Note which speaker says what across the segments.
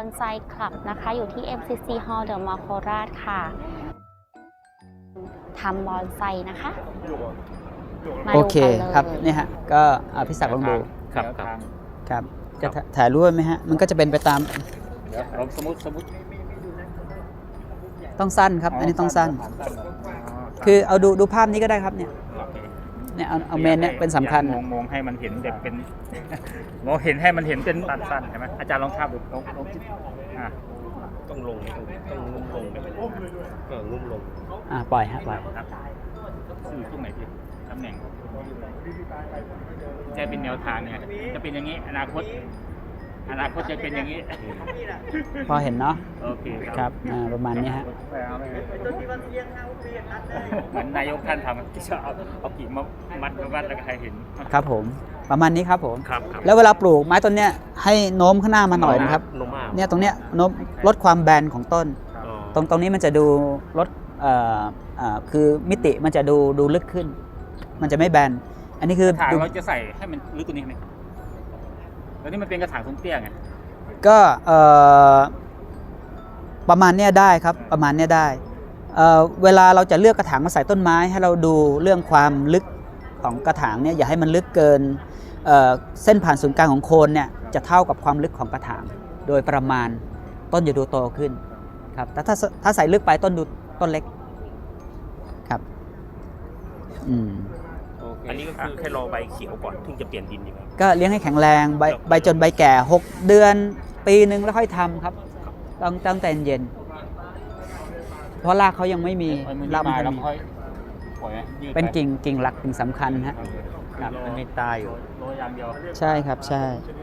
Speaker 1: อนไซคลับนะคะอยู่ที่ MCC Hall เดอะมอลล์โคราชค่ะทำบอนไซนะคะมา
Speaker 2: โอ
Speaker 1: ดู
Speaker 2: เค
Speaker 1: กันเลย
Speaker 2: ครับนี่ฮะก็พี่ศักดิ์ลองดู
Speaker 3: ครับ
Speaker 2: ครับจะถ่ายรูปไหมฮะมันก็จะเป็นไปตาม
Speaker 3: เดี๋ยวเราสมมติ
Speaker 2: ต้องสั้นครับอันนี้ต้องสั้น คือเอาดูภาพนี้ก็ได้ครับเนี่ยเอาเมนเนี่ยเป็นสำคัญ
Speaker 3: มองให้มันเห็นแบบเป็น มองเห็นให้มันเห็นเป็นสั้นๆใช่ไหมอาจารย์ลองภาพดูลองคิด
Speaker 4: ต้องลงต้องงุ้มลงงุ้มลง
Speaker 2: ปล่อยฮะปล่อย
Speaker 3: ครับคือตรงไหนพี่ตำแหน่งจะเป็นแนวทางเนี่ยจะเป็นอย่างนี้อนาคตจะเป็นอย่างนี้
Speaker 2: พอเห็นเนาะ
Speaker 3: โอเค
Speaker 2: ครับประมาณนี้ฮะ
Speaker 3: เหมือนนายกท่านทำที่จะเอากิ่งมามัดแล้วก็ให้เห็น
Speaker 2: ครับผมประมาณนี้ครับผม
Speaker 3: ครับ
Speaker 2: แล้วเวลาปลูกไม้ต้นเนี้ยให้โน้มข้างหน้ามาหน่อยนะครับ
Speaker 4: โนมา
Speaker 2: เนี่ยตรงเนี้ยโน้มลดความแบนของต้น ตรงนี้มันจะดูลดคือมิติมันจะดูลึกขึ้น มันจะไม่แบนอันนี้คือก
Speaker 3: ระถางเราจะใส่ให้มันลึกกว่านี้ไหมแล้วนี่มันเป็นกระถางทรงเตี้ยไง
Speaker 2: ก็ประมาณเนี้ยได้ครับประมาณเนี้ยได้เวลาเราจะเลือกกระถางมาใส่ต้นไม้ให้เราดูเรื่องความลึกของกระถางเนี่ยอย่าให้มันลึกเกินเส้นผ่านศูนย์กลางของโคนเนี่ยจะเท่ากับความลึกของกระถางโดยประมาณต้นจะดูโตขึ้นครับแต่ถ้าใส่ลึกไปต้นดูต้นเล็กครับ
Speaker 4: อันนี้ก็คือแค่รอใบเขียวก่อนถึงจะเปลี่ยนดินดีไหม
Speaker 2: ก็เลี้ยงให้แข็งแรงใบจนใบแก่6 เดือนปีหนึ่งแล้วค่อยทำครับต้องใจเย็นเพราะรากเขายังไม่มีรากมันไม่มีเป็นกิ่งหลักกิ่งสำคัญฮะครับ
Speaker 3: มันไม่ตายอยู่โรยอย่างเดียว
Speaker 2: ใช่ครับใช่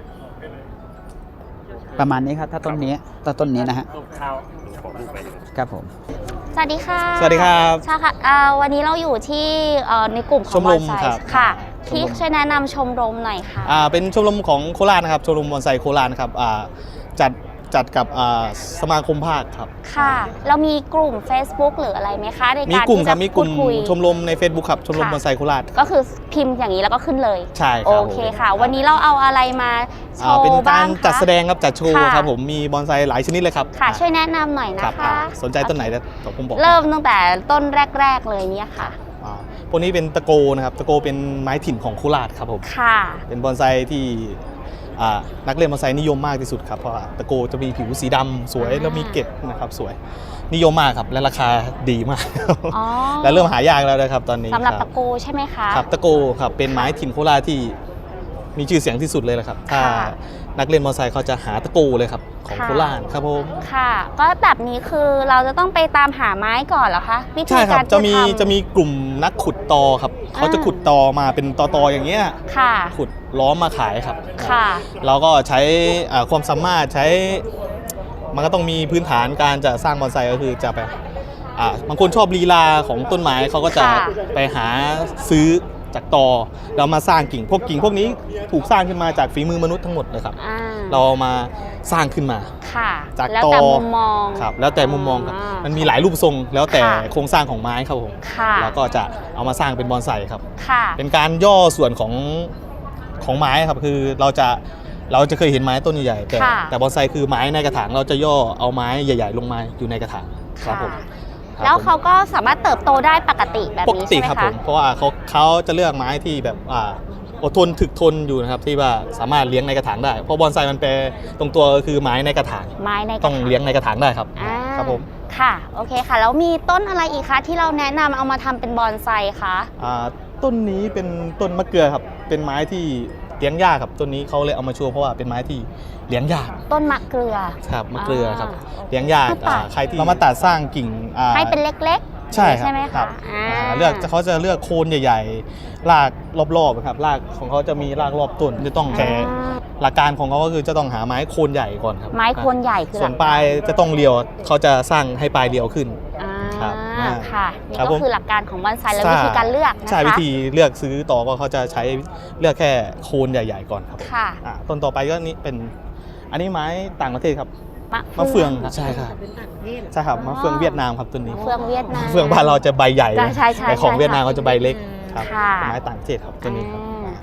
Speaker 2: ประมาณนี้ครับถ้าต้นนี้นะฮะ
Speaker 3: ข้าว
Speaker 4: ขอรูปไป
Speaker 2: ครับผม
Speaker 1: สวัสดีค่ะ
Speaker 5: สวัสดีครับ
Speaker 1: ใช่ค่ะวันนี้เราอยู่ที่ในกลุ่มของ
Speaker 5: ชม
Speaker 1: บ
Speaker 5: ร
Speaker 1: อน
Speaker 5: ม
Speaker 1: ไซ
Speaker 5: ครับ
Speaker 1: ค่ะที่ช่วยแนะนำชมรมหน่อยค่ะ
Speaker 5: เป็นชมรมของโคราชนะครับชมรมบอนไซโคราชนะครับจัดกับสมาคมภาคครับ
Speaker 1: ค่ะเรามีกลุ่ม Facebook หรืออะไรไหมคะใน
Speaker 5: มี
Speaker 1: การ
Speaker 5: กลุ่ม
Speaker 1: ที่
Speaker 5: ครั
Speaker 1: จะ
Speaker 5: บมีก
Speaker 1: พู
Speaker 5: ลุ่
Speaker 1: ด
Speaker 5: ม
Speaker 1: คุย
Speaker 5: ชมรมใน Facebook ครับชมรม
Speaker 1: ค่ะ
Speaker 5: บอนไซโคราช
Speaker 1: ก็คือพิมพ์อย่างนี้แล้วก็ขึ้นเลย
Speaker 5: ใช่ค
Speaker 1: โอ
Speaker 5: รับ
Speaker 1: เคค่ะ วันนี้เราเอาอะไรมาโช
Speaker 5: เป็น
Speaker 1: ว์
Speaker 5: กา
Speaker 1: บ้าง
Speaker 5: ร
Speaker 1: คะ
Speaker 5: จัดแสดงครับจัดโชว์
Speaker 1: ค่ะ
Speaker 5: ครับผมมีบอนไซหลายชนิดเลยครับ
Speaker 1: ค่ะช่วยแนะนำหน่อย
Speaker 5: ค
Speaker 1: นะ
Speaker 5: รับ
Speaker 1: คะ
Speaker 5: สนใจต้นไหนเดี๋ยวผมบอก
Speaker 1: เริ่มตั้งแต่ต้นแรกๆเลยเนี่ยค่ะ
Speaker 5: พวกนี้เป็นตะโกนะครับตะโกเป็นไม้ถิ่นของโคราชครับผม
Speaker 1: ค่ะ
Speaker 5: เป็นบอนไซที่นักเล่นบอนไซนิยมมากที่สุดครับเพราะว่าตะโกจะมีผิวสีดำสวยแล้วมีเกล็ดนะครับสวยนิยมมากครับและราคาดีมาก
Speaker 1: อ๋อ
Speaker 5: และเริ่มหายากแล้วนะครับตอนนี้
Speaker 1: สำหรับ
Speaker 5: ค
Speaker 1: ตะโกใช่ไหมคะ
Speaker 5: ครับตะโกครับเป็นไม้ถิ่นโคราชที่มีชื่อเสียงที่สุดเลยแหละครับถ้า
Speaker 1: ค่ะ
Speaker 5: นักเล่นมอเตอร์ไซค์เขาจะหาตะโกเลยครับของ
Speaker 1: ค่ะ
Speaker 5: โคราชครับผม
Speaker 1: ค่ะ ก็แบบนี้คือเราจะต้องไปตามหาไม้ก่อนเหรอคะวิธี
Speaker 5: ใช่ครั
Speaker 1: กา
Speaker 5: บ
Speaker 1: ร
Speaker 5: จะมีกลุ่มนักขุดตอครับเขาจะขุดตอมาเป็นตออย่างเงี้ย
Speaker 1: ค่ะ
Speaker 5: ขุดล้อมมาขายครับ
Speaker 1: ค่ะ
Speaker 5: เราก็ใช้ความสามารถใช้มันก็ต้องมีพื้นฐานการจะสร้างบอนไซก็คือจะไปบางคนชอบลีลาของต้นไม้เขาก็จะ
Speaker 1: ค่ะ
Speaker 5: ไปหาซื้อจากตอแล้วมาสร้างกิ่งพวกนี้ถูกสร้างขึ้นมาจากฝีมือมนุษย์ทั้งหมดเลยครับ
Speaker 1: อ่า
Speaker 5: เราเอามาสร้างขึ้นมา
Speaker 1: ค่ะ
Speaker 5: จาก
Speaker 1: แล้ว
Speaker 5: ตอ
Speaker 1: แต่มุมมอง
Speaker 5: ครับแล้วแต่มุมมองครับ
Speaker 1: อ่ามั
Speaker 5: มันมีหลายรูปทรงแล้วแต่
Speaker 1: ค่ะ
Speaker 5: โครงสร้างของไม้ครับผม
Speaker 1: ค่ะ
Speaker 5: เราก็จะเอามาสร้างเป็นบอนไซครับ
Speaker 1: ค่ะ
Speaker 5: เป็นการย่อส่วนของไม้ครับคือเราจะเคยเห็นไม้ต้นใหญ่ๆแต่บอนไซคือไม้ในกระถางเราจะย่อเอาไม้ใหญ่ๆลงมาอยู่ในกระถางครับผม
Speaker 1: ค่ะแล้วเขาก็สามารถเติบโตได้ปกติแบบ
Speaker 5: ปก
Speaker 1: นี้
Speaker 5: ติ
Speaker 1: ใช่ไหม
Speaker 5: ครับผ
Speaker 1: คะ
Speaker 5: มเพราะว่าเขาจะเลือกไม้ที่แบบอดทนถึกทนอยู่นะครับที่ว่าสามารถเลี้ยงในกระถางได้เพราะบอนไซมันแปลตรงตัวก็คือไม้ในกระถาง
Speaker 1: ไม้ในกระ
Speaker 5: ต้อง
Speaker 1: ถาง
Speaker 5: เลี้ยงในกระถางได้ครับ
Speaker 1: อ่า
Speaker 5: ครับผม
Speaker 1: ค่ะโอเคค่ะแล้วมีต้นอะไรอีกคะที่เราแนะนำเอามาทำเป็นบอนไซคะ
Speaker 5: ต้นนี้เป็นต้นมะเกลือครับเป็นไม้ที่เลี้ยงยากครับต้นนี้เขาเลยเอามาโชว์เพราะว่าเป็นไม้ที่เลี้ยงยาก
Speaker 1: ต้นมะเกลือ
Speaker 5: ครับมะเกลือครับ
Speaker 1: อ่า
Speaker 5: เลี้ยงยาก
Speaker 1: คือตัด
Speaker 5: ใครที่เรามาตัดสร้างกิ่ง
Speaker 1: ให้เป็นเล็กๆ
Speaker 5: ใช่ครับ
Speaker 1: ใช่ไหม
Speaker 5: ครั
Speaker 1: คะ
Speaker 5: บ
Speaker 1: อ่า
Speaker 5: เขาจะเลือกโคนใหญ่ๆรากรอบๆครับรากของเขาจะมีรากรอบต้นจะต้องแค่หลักการของเขาก็คือจะต้องหาไม้โคนใหญ่ก่อนครับ
Speaker 1: ไม้โคนใหญ่คือ
Speaker 5: ส่วนปลายจะต้องเรียวเขาจะสร้างให้ปลายเรียวขึ้น
Speaker 1: อ่า
Speaker 5: ครับ
Speaker 1: ค่ะนี่
Speaker 5: ครับ
Speaker 1: ก็
Speaker 5: ผม
Speaker 1: คือหลักการของบอนไซแล้ววิธีการเลือกนะคะ
Speaker 5: ใช่วิธีเลือกซื้อต่อก็เขาจะใช้เลือกแค่โคนใหญ่ๆก่อนครับ
Speaker 1: ค่ะ
Speaker 5: ต้นต่อไปก็นี่เป็นอันนี้ไม้ต่างประเทศครับมะเฟืองใช่ครับใช่ครับมะเฟืองเวียดนามครับตัวนี้
Speaker 1: มะเฟืองเวียดนาม
Speaker 5: มะเฟืองบ้านเราจะใบใหญ่
Speaker 1: ใช่
Speaker 5: แต่ของ
Speaker 1: ใช่
Speaker 5: เวียดนามเขาจะใบเล็กครับ
Speaker 1: ค่ะ
Speaker 5: เป็นไม้ต่างประเทศครับตัวนี้ครับ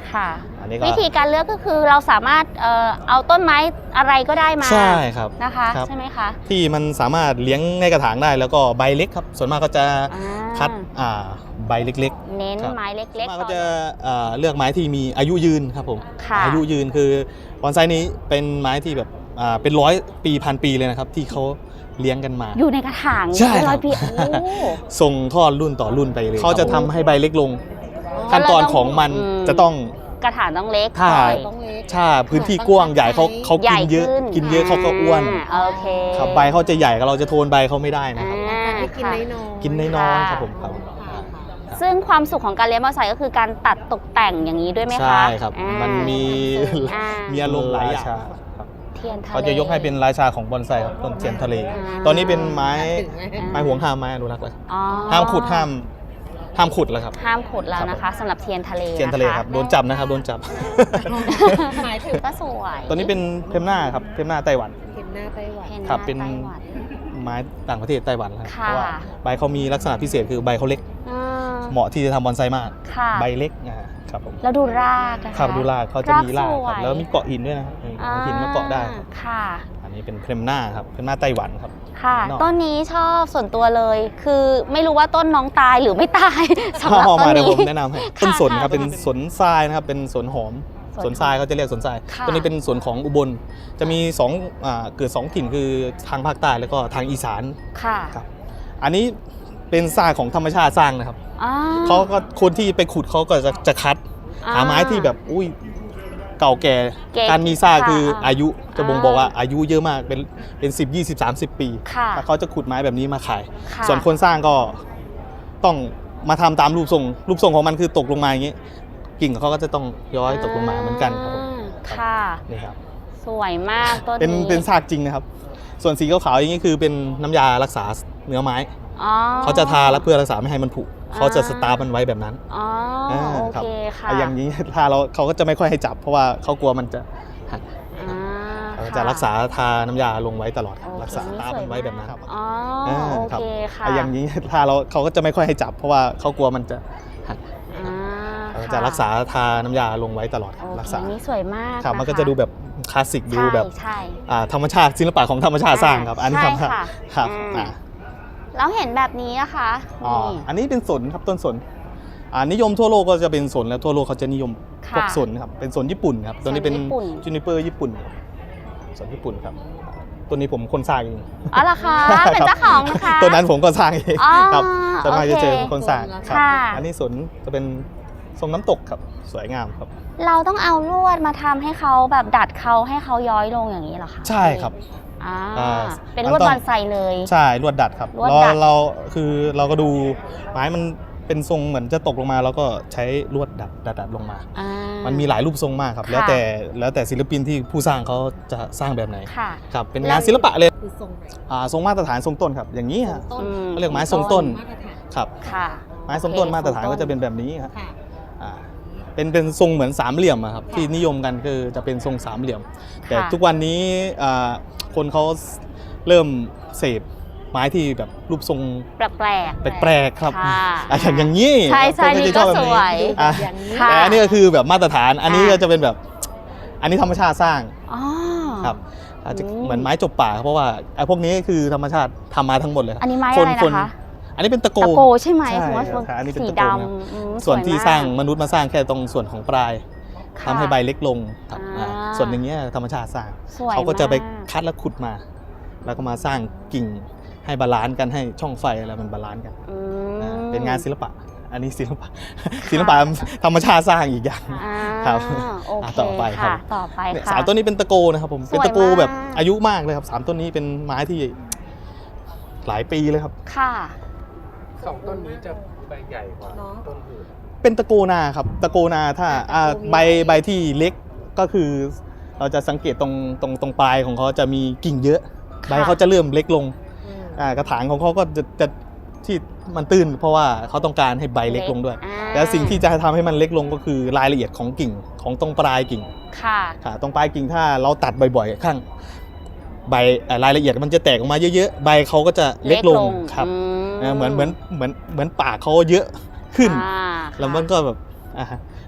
Speaker 1: ค่ะ
Speaker 5: อันนี้ก็
Speaker 1: วิธีการเลือกก็คือเราสามารถเอาต้นไม้อะไรก็ได้มา
Speaker 5: ใช่ครับ
Speaker 1: นะคะ
Speaker 5: ครับ
Speaker 1: ใช่ไหมคะ
Speaker 5: ที่มันสามารถเลี้ยงในกระถางได้แล้วก็ใบเล็กครับส่วนมากก็จะ
Speaker 1: อ่า
Speaker 5: คัดใบเล็ก
Speaker 1: เน้น
Speaker 5: ครับ
Speaker 1: ไม้เล็ก
Speaker 5: ส่วนมาก
Speaker 1: ๆ
Speaker 5: ก็จะเลือกไม้ที่มีอายุยืนครับผม
Speaker 1: ค่ะ
Speaker 5: อายุยืนคือบอนไซนี้เป็นไม้ที่แบบเป็น100 ปีพันปีเลยนะครับที่เขาเลี้ยงกันมา
Speaker 1: อยู่ในกระถาง
Speaker 5: ใช่ครับ
Speaker 1: ร้อยปีโอ้
Speaker 5: ส่งทอดรุ่นต่อรุ่นไปเลยเขาจะทำให้ใบเล็กลง
Speaker 1: อ๋อ
Speaker 5: ขั้นตอนของมัน
Speaker 1: อืม
Speaker 5: จะต้อง
Speaker 1: กระถางต้องเล็ก
Speaker 5: ถ้า
Speaker 1: หน่อย
Speaker 6: ต้องเล็ก
Speaker 5: ถ้าพื้นที่กว้างใหญ่เขา
Speaker 1: ใหญ่
Speaker 5: กินเยอะ
Speaker 1: ขึ้น
Speaker 5: กินเยอะเขาก็อ้วน
Speaker 1: โอเค
Speaker 5: ครับใบเขาจะใหญ่เราจะโทนใบเขาไม่ได้นะครับ
Speaker 6: ให้กิน
Speaker 1: ค่ะ
Speaker 6: น้อยๆ
Speaker 5: กินน้อยๆ
Speaker 1: ค่ะ
Speaker 5: ครับผมครับ
Speaker 1: ซึ่งความสุขของการเลี้ยงบอนไซก็คือการตัดตกแต่งอย่างนี้ด้วยไหมคะ
Speaker 5: ใช่ครับ
Speaker 1: อ่า
Speaker 5: มันมี
Speaker 1: อ่า
Speaker 5: มีอารมณ์หลายอย่างครับ
Speaker 1: เทียนทะเล
Speaker 5: เขาจะยกให้เป็นราชาของบอนไซครับต้นเทียนทะเล
Speaker 1: อ่า
Speaker 5: ตอนนี้เป็นไม้
Speaker 6: ถึงไหม
Speaker 5: ไม้ห่วงห้ามไม้อนุรักษ์เลย
Speaker 1: อ๋อ
Speaker 5: ห้ามขุดห้ามขุดแล้วครับ
Speaker 1: ห้ามขุดแล้วนะคะสำหรับเทียนทะเล
Speaker 5: เทียนทะเลครับโดนจับนะครับโดนจับ
Speaker 6: หมายถึง
Speaker 1: ก็สวย
Speaker 5: ตัวนี้เป็นเพมหน้าครับเพมหน้าไต้หวัน
Speaker 6: เห็นหน้าไต้หวัน
Speaker 1: เพนห
Speaker 5: ครับ
Speaker 1: น้า
Speaker 5: เป็น
Speaker 1: ไต้หวัน
Speaker 5: ไม้ต่างประเทศไต้หวันครับ
Speaker 1: ค่ะ
Speaker 5: เพราะว่าใบเขามีลักษณะพิเศษคือใบเขาเล็ก
Speaker 1: อ่า
Speaker 5: เหมาะที่จะทำบอนไซมาก
Speaker 1: ค่ะ
Speaker 5: ใบเล็กครับผม
Speaker 1: แล้วดูรากนะคะ
Speaker 5: ครับดูรากเขาจะมีราก
Speaker 1: ส
Speaker 5: คว รับ
Speaker 1: ย
Speaker 5: แล้วมีเกาะหินด้วยนะครับนี่
Speaker 1: อ่
Speaker 5: หินมาเกาะได้ครับ
Speaker 1: ค่ะ
Speaker 5: อันนี้เป็นเพมหน้าครับเพมหน้าไต้หวันครับ
Speaker 1: ค่ะ
Speaker 5: นอก
Speaker 1: ต้นนี้ชอบส่วนตัวเลย คือไม่รู้ว่าต้นน้องตายหรือไม่ตาย สำหรับ
Speaker 5: เข้า
Speaker 1: ต้
Speaker 5: มาน เดี๋ยว
Speaker 1: นี้
Speaker 5: ผมแนะนำให้ต้นสนครับ
Speaker 1: ค่ะ
Speaker 5: เป็นสนทรายนะครับเป็นสนหอม
Speaker 1: สน
Speaker 5: สนทรายเขาจะเรียกสนทราย
Speaker 1: ค่ะ
Speaker 5: ตัวนี้เป็นสวนของอุบลจะมีเกิด2ถิ่นคือทางภาคใต้แล้วก็ทางอีสาน
Speaker 1: ค่ะ
Speaker 5: ครับอันนี้เป็นทรายของธรรมชาติสร้างนะครับ
Speaker 1: อ่
Speaker 5: เขาก็คนที่ไปขุดเขาก็จะคัด
Speaker 1: อ่า
Speaker 5: หาไม้ที่แบบอุ้ยเก่าแก่
Speaker 1: เก๋
Speaker 5: การมีซาก
Speaker 1: ค่ะ
Speaker 5: คืออายุจะบ่ง
Speaker 1: อ่า
Speaker 5: บอกว่าอายุเยอะมากเป็น10 20 30 ปี
Speaker 1: ค่ะ
Speaker 5: ถ้าเขาจะขุดไม้แบบนี้มาขาย
Speaker 1: ค่ะ
Speaker 5: ส่วนคนสร้างก็ต้องมาทำตามรูปทรงของมันคือตกลงมาอย่างนี้กิ่งของเขาก็จะต้องย้อยตกลงมาเหมือนกันครับผม
Speaker 1: ค่ะ
Speaker 5: นี่ครับ
Speaker 1: สวยมากต้น
Speaker 5: เป็น
Speaker 1: นี้
Speaker 5: เป็นซากจริงนะครับ ส่วนสีขาวๆอย่างนี้คือเป็นน้ำยารักษาเนื้อไม้
Speaker 1: อ๋อ
Speaker 5: เขาจะทาแล้วเพื่อรักษาไม่ให้มันผุเขาจะสตาร์ฟมันไว้แบบนั้น
Speaker 1: อ๋อ
Speaker 5: อ่า
Speaker 1: โอ
Speaker 5: ครับ
Speaker 1: เคค่ะ
Speaker 5: อย่างนี้ ทาเขาก็จะไม่ค่อยให้จับ เพราะว่าเขากลัวมันจะหัก
Speaker 1: อ่า
Speaker 5: เขา
Speaker 1: ค่ะ
Speaker 5: จะรักษาทาน้ำยาลงไว้ตลอดครับ
Speaker 1: โอเค
Speaker 5: รักษาตามันไว้แบบนั้นครับ
Speaker 1: อ๋อ
Speaker 5: อ่า
Speaker 1: โอ
Speaker 5: ครับ
Speaker 1: เคค่ะ
Speaker 5: อย่างนี้ ทาเขาก็จะไม่ค่อยให้จับ เพราะว่าเขากลัวมันจะหัก
Speaker 1: อ่า
Speaker 5: เขา
Speaker 1: ค่
Speaker 5: จะรักษาทาน้ำยาลงไว้ตลอดครับ
Speaker 1: โอ
Speaker 5: รัก
Speaker 1: เค
Speaker 5: ษา
Speaker 1: นี่สวยมาก
Speaker 5: ครับมันก็
Speaker 1: ค
Speaker 5: จะดูแบบคลาสสิกดู
Speaker 1: ใช่
Speaker 5: แบบ
Speaker 1: ใช่
Speaker 5: ธรรมชาติศิลปะของธรรมชาติสร้างครับ อันนี้
Speaker 1: ใช่
Speaker 5: ครับ
Speaker 1: ค่ะ
Speaker 5: ครับ
Speaker 1: อ่า แล้วเห็นแบบนี้นะคะ
Speaker 5: อ๋อ
Speaker 1: นี่
Speaker 5: อันนี้เป็นสนครับต้นสนนิยมทั่วโลกก็จะเป็นสนแล้วทั่วโลกเขาจะนิยม
Speaker 1: ค่ะ
Speaker 5: พวกสนครับเป็นสนญี่ปุ่นครับตัวนี้เป็น
Speaker 1: สนญี่ปุ่น
Speaker 5: จูนิเปอร์ญี่ปุ่นครับสนญี่ปุ่นครับตัวนี้ผมคนสร้างเอง
Speaker 1: อ๋อเหรอคะเป็นเจ้าของนะคะ
Speaker 5: ตัวนั้นผมก็สร้างเอง
Speaker 1: อ๋อ
Speaker 5: ครับส่วนมากจะเจอ
Speaker 1: โอเค
Speaker 5: คนสร้างครับ
Speaker 1: ค่ะ
Speaker 5: อันนี้สนจะเป็นทรงน้ำตกครับสวยงามครับ
Speaker 1: เราต้องเอาลวดมาทำให้เขาแบบดัดเขาให้เขาย้อยลงอย่างนี้เหรอคะ
Speaker 5: ใช่ครับ
Speaker 1: อ่า
Speaker 5: อ่า
Speaker 1: เป็นลวด
Speaker 5: มันต้อง
Speaker 1: บอนไซเลย
Speaker 5: ใช่ลวดดัดครับ
Speaker 1: ลวดดัด
Speaker 5: เราก็ดูไม้มันเป็นทรงเหมือนจะตกลงมาแล้วก็ใช้ลวดดัดลงมา
Speaker 1: อ่า
Speaker 5: มันมีหลายรูปทรงมากครับ
Speaker 1: ค่ะ
Speaker 5: แล้วแต่ศิลปินที่ผู้สร้างเขาจะสร้างแบบไหน
Speaker 1: ค่ะ
Speaker 5: ครับเป็นงานศิลปะเลย
Speaker 6: คือทรงไหน
Speaker 5: ทรงมาตรฐานทรงต้นครับอย่างนี้ฮะ
Speaker 6: ต้น
Speaker 1: อืม
Speaker 5: เขาเรียกไม้ทรงต้น
Speaker 6: มาตรฐาน
Speaker 5: ครับ
Speaker 1: ค่ะ
Speaker 5: ไม้ทรงต้น
Speaker 1: โอเค
Speaker 5: มาตรฐาน
Speaker 1: ทรงต้น
Speaker 5: ก็จะเป็นแบบนี้ครับ
Speaker 6: ค่ะ
Speaker 5: อ่าเป็นทรงเหมือนสามเหลี่ยมอะครับที่นิยมกันคือจะเป็นทรงสามเหลี่ยม แต่ทุกวันนี้คนเขาเริ่มเสพไม้ที่แบบรูปทรง
Speaker 1: แปลก
Speaker 5: แปลกๆครับ
Speaker 1: ค่ะ
Speaker 5: อย่างนี้
Speaker 1: ใช่ใช่
Speaker 5: คน
Speaker 1: นี่
Speaker 5: จะชอบแบบ
Speaker 1: ก็สวย
Speaker 5: อ่ะ
Speaker 6: อย่างนี้
Speaker 1: ค่ะ
Speaker 5: แต่อันนี้ก็คือแบบมาตรฐาน อันนี้
Speaker 1: อ่า
Speaker 5: ก็จะเป็นแบบ อันนี้ธรรมชาติสร้าง
Speaker 1: อ๋อ
Speaker 5: ครับอาจจะ
Speaker 1: อืม
Speaker 5: เหมือนไม้จบป่าครับเพราะว่าไอ้พวกนี้คือธรรมชาติทำมาทั้งหมดเลยครับ
Speaker 1: อันนี้ไม้อะไรนะคะ
Speaker 5: อันนี้เป็นตะโก
Speaker 1: ตะโกใช่ไหม
Speaker 5: ใช่
Speaker 1: ผมว่า
Speaker 5: ครับอันนี้เป็น
Speaker 1: สี
Speaker 5: ตะ
Speaker 1: ด
Speaker 5: โกนะครับ
Speaker 1: ำอืม
Speaker 5: ส่วนที่
Speaker 1: ยมก
Speaker 5: สร้างมนุษย์มาสร้างแค่ตรงส่วนของปลาย
Speaker 1: ค่ะ
Speaker 5: ทำให้ใบเล็กลงครับ
Speaker 1: อ่า
Speaker 5: ส่วนอย่างเงี้ยธรรมชาติสร้าง
Speaker 1: สวย
Speaker 5: เขาก็จะไป
Speaker 1: ม
Speaker 5: คัดแล้วขุดมา แล้วก็มาสร้างกิ่งให้บาลานซ์กันให้ช่องไฟอะไรมันบาลานซ์กัน
Speaker 1: อืม
Speaker 5: เป็นงานศิลปะ อันนี้ศิลปะ ศิลปะธรรมชาติสร้างอีกอย่าง
Speaker 1: อ่า
Speaker 5: ครับ
Speaker 1: โอเค
Speaker 5: ต่อไปครับ
Speaker 1: ค่ะต่อไป
Speaker 5: เนี่ย
Speaker 1: ค่ะ
Speaker 5: สามต้นนี้เป็นตะโกนะครับผม
Speaker 1: สวย
Speaker 5: เป็นตะโกแบบ
Speaker 1: มาก
Speaker 5: อายุมากเลยครับสามต้นนี้เป็นไม้ที่หลายปีเลยครับ
Speaker 1: ค่ะ
Speaker 4: สองต้นนี้จะใบใหญ่กว่า
Speaker 6: เนาะ
Speaker 4: ต้นอื่น
Speaker 5: เป็นตะโกนาครับตะโกนาถ้าใบที่เล็กก็คือ เราจะสังเกตตรงปลายของเขาจะมีกิ่งเยอะ
Speaker 1: ค่ะ
Speaker 5: ใบเขาจะเริ่มเล็กลง
Speaker 6: อืม
Speaker 5: กระถางของเขาก็จะที่มันตื้น เพราะว่าเขาต้องการให้ใบเล็กลงด้วย
Speaker 1: อ่า
Speaker 5: แล้วสิ่งที่จะทำให้มันเล็กลงก็คือรายละเอียดของกิ่งของตรงปลายกิ่ง
Speaker 1: ค่ะ
Speaker 5: ค่ะตรงปลายกิ่งถ้าเราตัดบ่อยๆข้างใบรายละเอียดมันจะแตกออกมาเยอะๆใบเขาก็จะเล็กลงครับ
Speaker 1: อืม
Speaker 5: เหมือนปากเขาเยอะขึ้น
Speaker 1: อ่า
Speaker 5: แล้วมันก็แบบ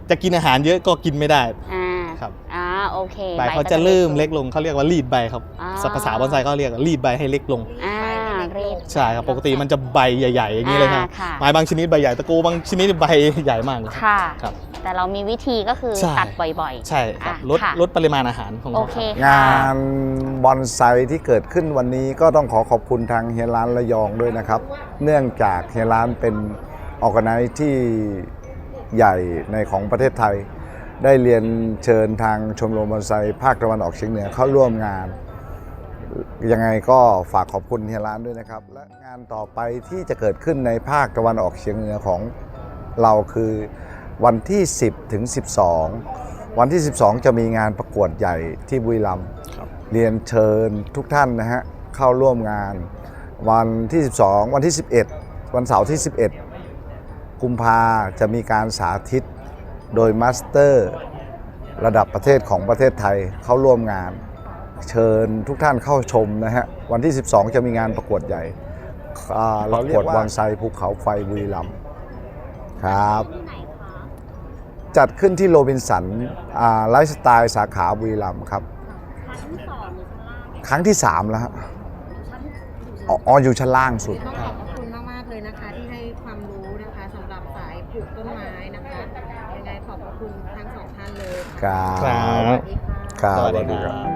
Speaker 5: จะกินอาหารเยอะก็กินไม่ได้
Speaker 1: อ่า
Speaker 5: ครับ
Speaker 1: โอเค
Speaker 5: ใบเขาจะเริ่มเล็กลงเขาเรียกว่ารีดใบครับ
Speaker 1: อ่า
Speaker 5: ภาษาบอนไซเขาเรียกว่ารีดใบให้เล็กลง
Speaker 1: รีบ
Speaker 5: ใช่ครับปกติมันจะใบใหญ่ๆอย่างนี้เลยครับ
Speaker 1: ค่ะ
Speaker 5: ไม้บางชนิดใบใหญ่ตะโกบางชนิดใบใหญ่มากเลย
Speaker 1: ค่ะ
Speaker 5: ครับ
Speaker 1: แต่เรามีวิธีก็คือ
Speaker 5: ใช่
Speaker 1: ตัดบ่อยๆ
Speaker 5: ใช่ครับ
Speaker 1: อ่ะค่ะ
Speaker 5: ลดปริมาณอาหารของ
Speaker 1: โอ
Speaker 5: เรา
Speaker 1: เค
Speaker 5: ครับ
Speaker 1: ค่ะ
Speaker 7: งานบอนไซที่เกิดขึ้นวันนี้ก็ต้องขอขอบคุณทางเฮียร้านระยองด้วยนะครับ เนื่องจากเฮียร้านเป็นออร์แกไนซ์ที่ใหญ่ในของประเทศไทย ได้เรียนเชิญทางชมรมบอนไซภาคตะวันออกเฉียงเหนือเข้าร่วมงาน ยังไงก็ฝากขอบคุณเฮียร้านด้วยนะครับ และงานต่อไปที่จะเกิดขึ้นในภาคตะวันออกเฉียงเหนือของเราคือวันที่ 10 ถึง 12 วันที่ 12 จะมีงานประกวดใหญ่ที่บุรีรัมย์เรียนเชิญทุกท่านนะฮะเข้าร่วมงาน วันที่ 12 วันที่ 11 วันเสาร์ที่ 11 กุมภาจะมีการสาธิตโดยมาสเตอร์ระดับประเทศของประเทศไทยเข้าร่วมงาน เชิญทุกท่านเข้าชมนะฮะวันที่ 12 จะมีงานประกวดใหญ่ประกวดบอนไซภูเขาไฟบุรีรัมย์ครับ จัดขึ้นที่โรบินสันไลฟ์สไตล์สาขาบุรีรัมย์ครับ ครั้งที่ 3 แล้วฮะอยู่ชั้นล่างสุด
Speaker 6: ต้องขอบพระคุณมาก ๆ เลยนะคะ ที่ให้ความรู้นะคะสำหรับสายปลูกต้นไม้นะคะ ยังไงขอบพระคุณทั้งสองท่านเลย
Speaker 7: ครับ
Speaker 6: สวัสดีค่ะ
Speaker 7: ครับ
Speaker 5: สวัสดีครับ